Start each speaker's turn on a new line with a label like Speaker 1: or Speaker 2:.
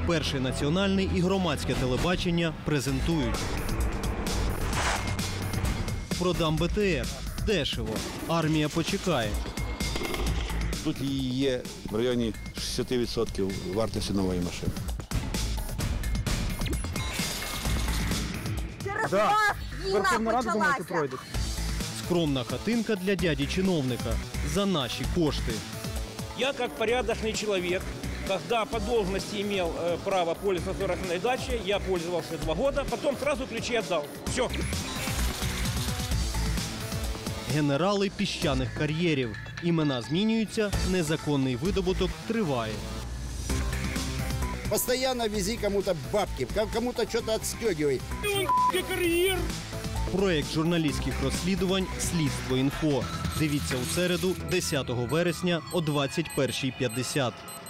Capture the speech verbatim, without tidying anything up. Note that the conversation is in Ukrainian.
Speaker 1: Перший національний і громадське телебачення презентують. Продам Б Т Р. Дешево. Армія почекає.
Speaker 2: Тут її є в районі шістдесят відсотків вартості нової машини.
Speaker 3: Через вас війна почалася.
Speaker 1: Скромна хатинка для дяді-чиновника. За наші кошти.
Speaker 4: Я, как порядочный человек, когда по должности имел э, право пользоваться загородной дачей, я пользовался два года, потом сразу ключи отдал. Все.
Speaker 1: Генерали піщаних кар'єрів. Імена змінюються, незаконний видобуток триває.
Speaker 5: Постоянно вези кому-то бабки, кому-то что-то отстегивай.
Speaker 1: Проєкт журналістських розслідувань «Слідство інфо». Дивіться у середу, десятого вересня о двадцять першій п'ятдесят.